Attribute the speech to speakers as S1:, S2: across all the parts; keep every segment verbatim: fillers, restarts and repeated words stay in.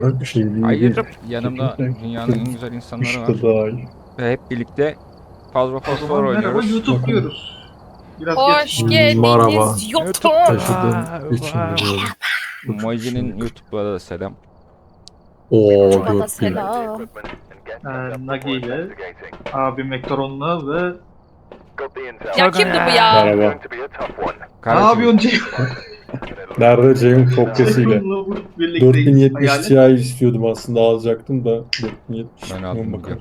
S1: Bir şey değil.
S2: Ayırıp yanımda
S1: Kesinlikle.
S2: dünyanın en güzel insanları
S1: İşte
S2: var.
S1: daha iyi.
S2: Ve hep birlikte fazla
S3: O
S2: fosfor
S3: zaman merhaba
S2: oynuyoruz.
S3: YouTube
S1: Bakalım.
S3: diyoruz. Biraz
S4: Hoş
S3: geç.
S1: Merhaba.
S4: geldiniz
S2: YouTube.
S4: YouTube.
S1: Taşıdığım için biliyorum.
S2: Moji'nin YouTube'a da selam.
S1: Oo
S4: YouTube'a da
S1: dört bin.
S4: selam.
S3: Ee, Nagi ile, abim Ektoron'la ve...
S4: Ya kimdi bu ya?
S1: Merhaba.
S3: Ne
S2: Kardeşim,
S3: yapıyorsun Ceyhun?
S1: Nerede Ceyhun Kopyasıyla?
S3: Ceyhun'la bu birlikteyiz.
S1: dört bin yetmiş
S3: Hayalet.
S1: Ti istiyordum aslında, alacaktım da dört bin yetmiş.
S2: Ben aldım
S1: bakalım.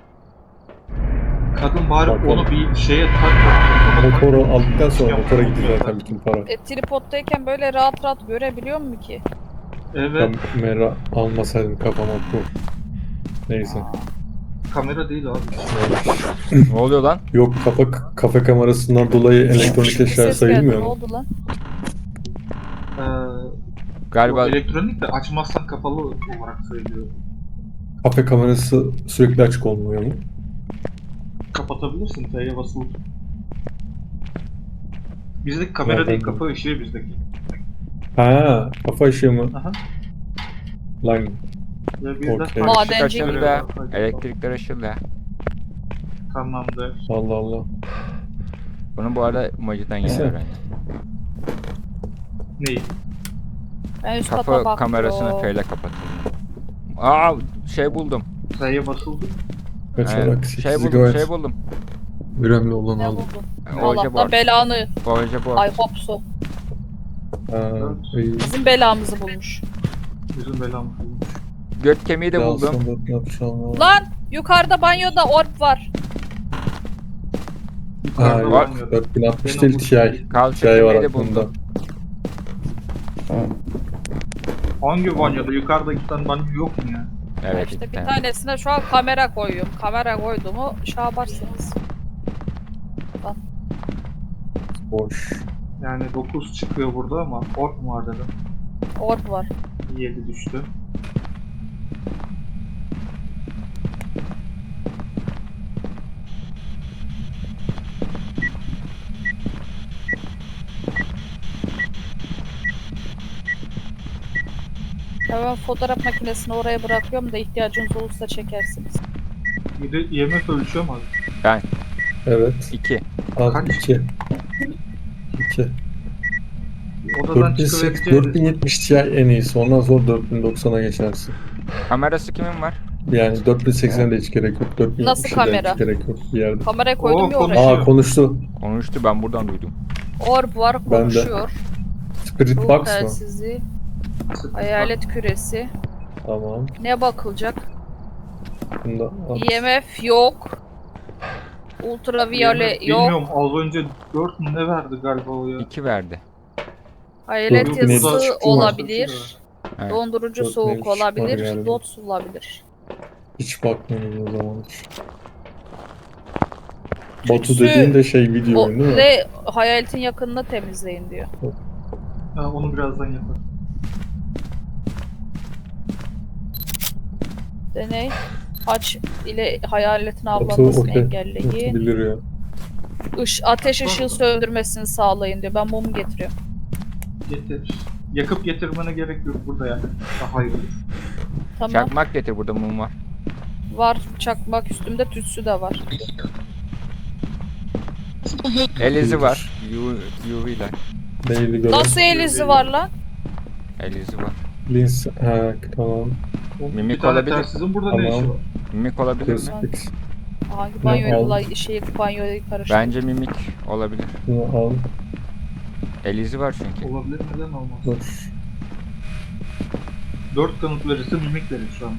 S3: Kadın bari
S1: Bakalım.
S3: onu bir şeye tak.
S1: Motoru aldıktan sonra motora gidiyor zaten bütün para.
S4: E, tripoddayken böyle rahat rahat görebiliyor mu ki?
S3: Evet.
S1: Kamera almasaydım kafama bu. Neyse.
S3: Kamera değil abi.
S2: ne oluyor lan?
S1: Yok, kafa kafe kamerasından dolayı elektronik
S4: Bir
S1: eşya
S4: ses geldi,
S1: sayılmıyor
S4: ne
S1: mu?
S4: oldu lan?
S3: Ee,
S2: Galiba
S3: o elektronik de açmazsan kapalı olarak söylüyor.
S1: Kafe kamerası sürekli açık olmuyor mu?
S3: Kapatabilirsin. T'ye basılı. Bizdeki kamera
S1: Nereden
S3: değil,
S1: bu?
S3: kafa ışığı bizdeki.
S1: Ha, kafa ışığı mı?
S3: Aha.
S1: Lan
S3: Ya bizde
S1: Okey.
S3: farklı
S4: Madenci
S3: şeyler
S2: açıldı.
S3: var. Hadi
S2: Elektrikler açıldı.
S3: Tamamdır.
S1: Allah Allah.
S2: Bunu bu arada Moji'den yeni
S1: Neyse.
S2: öğrendim.
S3: Neyi?
S4: Ben üst kata
S2: Kafa
S4: bakıyorum.
S2: kamerasını F ile kapatıldı. Aa, şey buldum.
S3: T'ye basıldı.
S1: Kaçarak
S2: Evet,
S1: sekiz
S2: şey buldum,
S1: gigabayt.
S2: şey buldum.
S1: Önemli olan
S4: Ne
S1: aldım.
S4: buldun?
S2: Oje
S4: Allah'tan
S2: board.
S4: belanı.
S2: Oje board.
S4: Ay hopsu.
S1: Ha, iyi.
S4: Bizim belamızı bulmuş.
S3: Yüzün belamı.
S2: Göt kemiği de
S1: Ya
S2: buldum.
S1: aslında ne yapacağım?
S4: Lan yukarıda banyoda orb var.
S1: Ha,
S3: Yukarıda
S1: yok,
S2: var.
S3: banyoda.
S1: dört bin altmış
S3: Ben
S1: değil
S3: onu-
S1: Ti.
S2: Kalça
S1: Ti var
S2: kemiği de
S1: aklımda.
S2: buldum.
S3: Hangi banyoda? Yukarıda giden banyo yok mu ya?
S2: Evet,
S4: işte
S2: iki
S4: bir
S2: tane.
S4: tanesine şu an kamera koyuyorum. Kamera koyduğumu şey yaparsınız.
S1: Boş.
S3: Yani dokuz çıkıyor burada ama ork mu var dedim.
S4: Orb var.
S3: yedi düştü.
S4: Ya ben fotoğraf makinesini oraya bırakıyorum da ihtiyacınız olursa çekersiniz.
S3: Bir de I M F ölçüyor mu abi?
S2: Ben
S1: Evet.
S2: iki.
S1: Al
S3: Kaç?
S1: iki. iki.
S3: Odadan
S1: dört bin seksen
S3: çıkabileceğiniz...
S1: dört bin yetmiş Ti en iyisi. Ondan sonra dört bin doksana geçersin.
S2: Kamerası kimin var?
S1: Yani dört bin seksene de hiç gerek yok. dört bin
S4: Nasıl
S1: yetmişe de
S4: kamera?
S1: hiç gerek yok bir yerde.
S4: Kameraya koydum
S3: Oo,
S4: ya oraya.
S3: konuşuyor.
S1: Aa, konuştu.
S2: Konuştu, ben buradan duydum.
S4: Orb var,
S1: Ben de.
S4: konuşuyor.
S1: Spirit
S4: Ruh
S1: Box mı?
S4: telsizi, hayalet küresi.
S1: Tamam.
S4: Ne bakılacak?
S1: Bunu da al.
S4: I M F yok. Ultraviyole yok.
S3: Bilmiyorum, az önce dört mü ne verdi galiba o ya?
S2: iki verdi.
S4: Hayalet
S1: Dört bin yedi
S4: yazısı
S1: çıktı mı?
S4: olabilir.
S2: Evet.
S4: Dondurucu
S1: Dört bin
S4: soğuk
S1: yedi çıktı
S4: olabilir.
S1: galiba.
S4: Dots olabilir.
S1: Hiç bakmadım o zaman hiç. Batu
S4: Tütsü-
S1: dediğin de şey video
S4: O
S1: oyunu değil mi?
S4: ve hayaletin yakınını temizleyin diyor.
S3: Ha, onu birazdan yaparım.
S4: Deney. Aç ile hayaletin
S1: Batu
S4: avlanmasını
S1: okey.
S4: engelleyin.
S1: Batu bilir ya.
S4: Iş, ateş ışığı söndürmesini sağlayın diyor. Ben mumu getiriyorum.
S3: Getir. Yakıp getirmene gerek yok burada yani. Daha iyi olur.
S4: Tamam.
S2: Çakmak getir, burada mum var.
S4: Var çakmak, üstümde tütsü de var.
S2: Elizi var. U V ile.
S1: Neydi göre?
S4: Nasıl elizi var lan?
S2: Elizi var.
S1: Lins. Ha, tamam.
S2: Mimik
S3: bir tane
S2: olabilir.
S3: telsizin burada ne
S1: Tamam.
S3: işi var?
S2: Mimik olabilir mi?
S1: Crucifix.
S4: Hangi
S1: Ne
S4: banyoyla
S1: oldu?
S4: şeyi banyoyu karıştırdı.
S2: Bence mimik olabilir.
S1: Bunu al.
S2: Elizi var çünkü.
S3: Olabilir, neden olmaz?
S1: Dur.
S3: Dört kanıt verirse mimik verir şu an.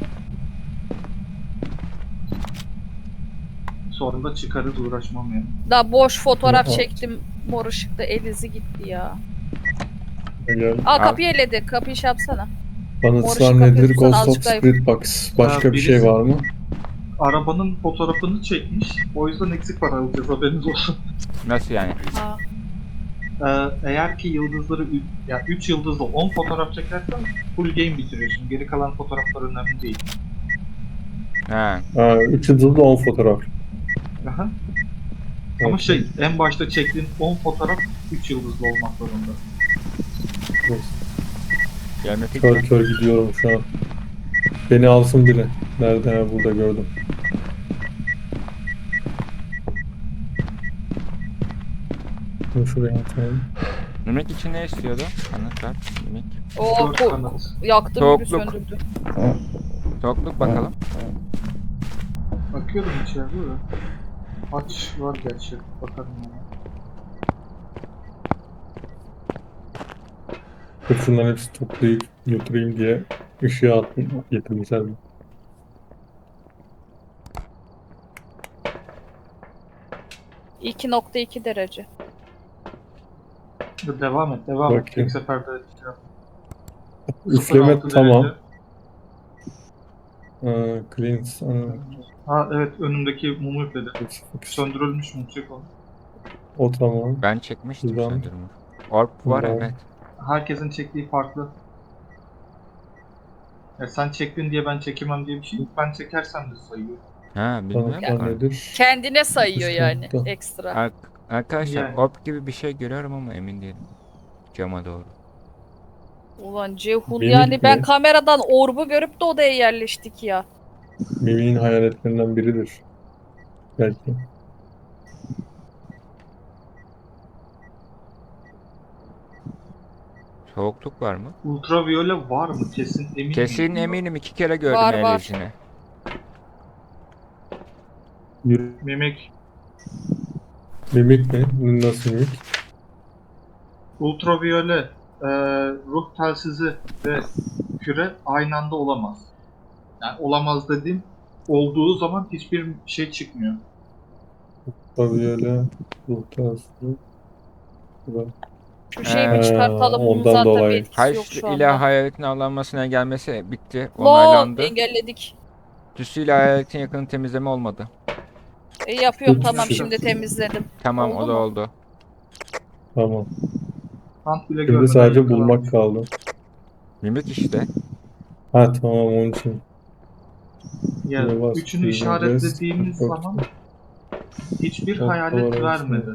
S3: Sonra da çıkarız, uğraşmam yani.
S4: Daha boş fotoğraf
S1: Tamam.
S4: çektim. Mor ışıkta elizi gitti ya.
S1: Gel.
S4: Aa
S2: Al.
S4: kapıyı eledi. Kapıyı şey yapsana.
S1: Kanıtlar
S4: Mor ışık
S1: nedir?
S4: kapıyı
S1: Ghost of
S4: açıklayayım.
S1: Spirit Box. Başka
S3: Ha,
S1: bir şey
S3: birisi-
S1: var mı?
S3: Arabanın fotoğrafını çekmiş. O yüzden eksik para alacağız, haberiniz olsun.
S2: Nasıl yani?
S4: Ha.
S3: Ee, eğer ki yıldızları ü- ya üç yıldızlı on fotoğraf çekersen full game bitiriyorsun. Geri kalan fotoğraflar önemli değil.
S2: Ha.
S1: Ha, üç yıldızlı on fotoğraf.
S3: Aha. Ama
S1: Evet.
S3: şey, en başta çektiğin on fotoğraf üç yıldızlı olmak zorunda.
S2: Gelme
S1: Kör
S2: fikri.
S1: kör gidiyorum şu an. Beni alsın biri. Nerede? Ha, burada gördüm. Dur şuraya atayım.
S2: Mimik için ne istiyordu? Anlat ver. Mimik.
S4: O
S3: Dört
S4: ko-
S3: kanat.
S4: yaktı bir
S2: Soğukluk.
S4: söndürdü.
S2: Soğukluk bakalım.
S3: Bakıyorum içeride de. Aç var gerçi. Bakarım ona.
S1: Dur şunların hepsi toplayıp götüreyim diye ışığa attım. Getirmişler mi?
S4: iki nokta iki derece.
S3: Dur, devam et, devam et.
S1: Bakayım.
S3: Tek seferde şey yap.
S1: Üfleme
S3: sıfır altı
S1: tamam.
S3: derece.
S1: Aa, cleans. Aa,
S3: Ha evet, önümdeki mumu üfledi.
S1: fix.
S3: Söndürülmüş mum, çek onu.
S1: O tamam.
S2: Ben çekmiştim
S1: Şuradan.
S2: söndürümü. Orb var
S1: Şuradan.
S2: evet.
S3: Herkesin çektiği farklı. Ya sen çektin diye ben çekemem diye bir şey yok. Ben çekersem de sayıyor.
S2: Ha bilmiyorum
S1: Tamam,
S2: ki onu.
S1: nedir?
S4: Kendine sayıyor
S1: Üst
S4: yani
S1: katta.
S4: ekstra.
S2: Ar- Arkadaşlar
S3: Yani.
S2: orb gibi bir şey görüyorum ama emin değilim. Cama doğru.
S4: Ulan Ceyhun
S1: Mimik
S4: yani ben
S1: mi?
S4: kameradan orbu görüp de odaya yerleştik ya.
S1: Mimi'nin hayaletlerinden biridir. Belki.
S2: Soğukluk var mı?
S3: Ultraviyole var mı? Kesin eminim.
S2: Kesin eminim iki kere gördüm
S4: Var, var.
S2: ellisini.
S1: Yürü.
S3: Mimik.
S1: Mimik mi? Nasıl mimik?
S3: Ultraviyole, e, ruh telsizi ve küre aynı anda olamaz. Yani olamaz dediğim, olduğu zaman hiçbir şey çıkmıyor.
S1: Tabii ruh tersi.
S4: Şu şeyi bir
S2: Ee,
S4: çıkartalım. Bunun
S1: ondan
S4: zaten
S1: dolayı.
S4: bir etkisi yok
S2: Haç
S4: şu
S2: ile
S4: anda.
S2: hayaletin avlanmasına gelmesi bitti.
S4: Lol
S2: Onaylandı.
S4: engelledik.
S2: Tüsü ile hayaletin yakını temizleme olmadı.
S4: E, yapıyorum
S1: Çok
S4: tamam
S1: şükür.
S4: şimdi temizledim.
S2: Tamam
S4: Oldu
S2: o da
S4: mu?
S2: oldu.
S1: Tamam.
S3: Ant bile
S1: Şimdi
S3: görmeden
S1: sadece
S3: yakalanmış.
S1: bulmak kaldı.
S2: Mimik işte.
S1: Ha tamam onun için.
S3: Ya,
S1: Yavaş,
S3: üçünü
S1: yürü,
S3: işaretlediğimiz
S1: rest,
S3: zaman hiçbir
S1: Yok,
S3: hayalet
S1: doğru,
S3: vermedi.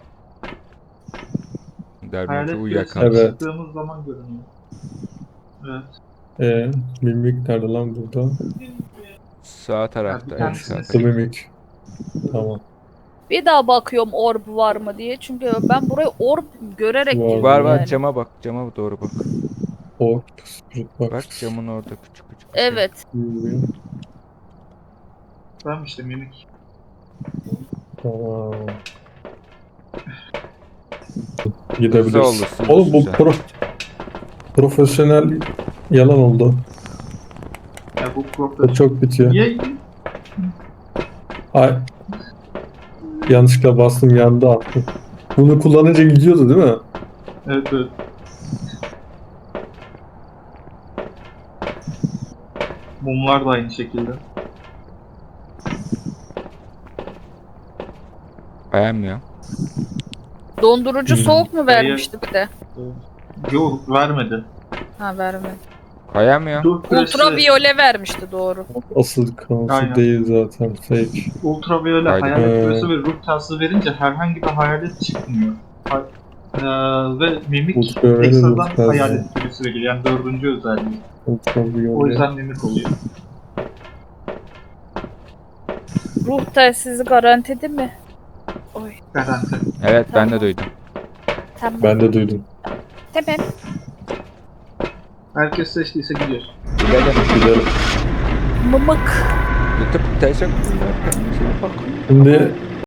S2: Dermanı
S3: Hayalet küresine
S2: uyuyakalmış.
S1: Evet.
S3: çıktığımız zaman görünüyor. Evet.
S1: Ee, mimik nerede lan burada?
S2: Sağ tarafta.
S3: bir
S2: en
S3: tanesini
S2: sağ
S1: The
S2: tarafta.
S1: mimik. Tamam.
S4: Bir daha bakıyorum orb var mı diye. Çünkü ben burayı orb görerek
S1: Var.
S4: girdim
S2: Var var
S4: yani.
S2: cama bak. Cama doğru bak.
S1: O spirit box.
S2: Bak camın orada küçük küçük. bir şey.
S4: Evet.
S1: Yürüyor.
S3: Tamam işte mimik.
S1: Tamam.
S2: Hızlı
S1: Gidebiliriz.
S2: olursun,
S1: Oğlum bu
S2: güzel.
S1: pro profesyonel yalan oldu.
S3: Ya bu
S1: O
S3: profesör.
S1: çok bitiyor.
S3: Niye?
S1: Ay. Yanlışlıkla bastım yandı attı. Bunu kullanınca gidiyordu değil mi?
S3: Evet evet. Mumlar da aynı şekilde.
S2: Beğenmiyor.
S4: Dondurucu
S1: Hmm.
S4: soğuk mu vermişti bir de?
S3: Yok vermedi.
S4: Ha vermedi.
S2: Kayamıyor.
S3: Ruh küresi,
S4: Ultraviyole vermişti doğru.
S1: Asıl konusu
S3: Aynen.
S1: değil zaten. Fake.
S3: ultraviyole,
S2: Haydi.
S3: hayalet
S1: Ee.
S3: küresi ve ruh telsizi verince herhangi bir hayalet çıkmıyor. Ha- Ee, ve mimik
S1: Ultraviyole,
S3: ekstradan
S1: ruh telsizi.
S3: hayalet küresi veriyor. Yani dördüncü özelliği.
S1: Ultraviyole.
S3: O yüzden mimik oluyor.
S4: Ruh telsizi garantidi mi? Oy
S3: Garanti.
S2: Evet ben de
S4: Tamam.
S2: duydum.
S4: tamam.
S1: Ben de duydum.
S4: Tamam.
S3: Herkes seçtiyse gidiyor.
S2: Gidelim.
S1: Gidelim.
S4: Mımık.
S2: YouTube teşekkürler. Kendinize iyi bakın.
S1: Şimdi